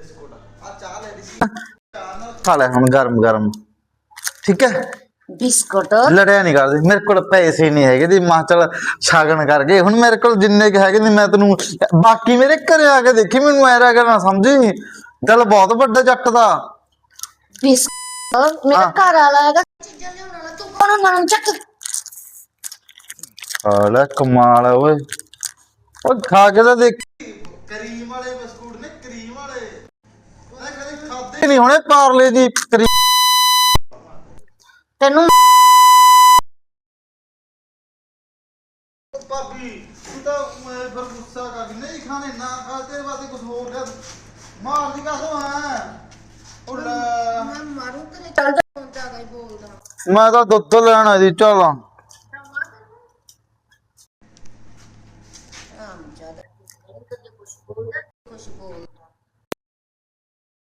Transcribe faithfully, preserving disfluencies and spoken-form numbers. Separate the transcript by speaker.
Speaker 1: खा ले हम गरम गरम ठीक है।
Speaker 2: बिस्कुट
Speaker 1: लड़िया नहीं करदी मेरे को पैसे नहीं है दी मां चल छागन कर गए हुन मेरे को जिन्ने के है मैं तेन बाकी मेरे घरे आके देखी मैनू ऐरा करना समझी दिल बहुत बड़ा जट दा।
Speaker 2: बिस्कुट मेरा घर वाला है चीज़ां लेने वाला तू कौन नाम चक
Speaker 1: अरे कमाल है ओए ओ खा के तो देख क्रीम वाले बिस्कुट ने क्रीम वाले मैं कभी खादे नहीं होने पार्ले दी क्रीम
Speaker 2: तेनू
Speaker 1: भाभी तू तो मैं फिर गुस्सा कर नहीं खाने ना खा तेरे वास्ते कुछ और ले मार दी का तो है उल्ला
Speaker 2: मैं मारूं तेरे चल जा ज्यादा ही बोलदा
Speaker 1: मैं तो दुੱਧ ਲੈਣਾ ਜੀ चल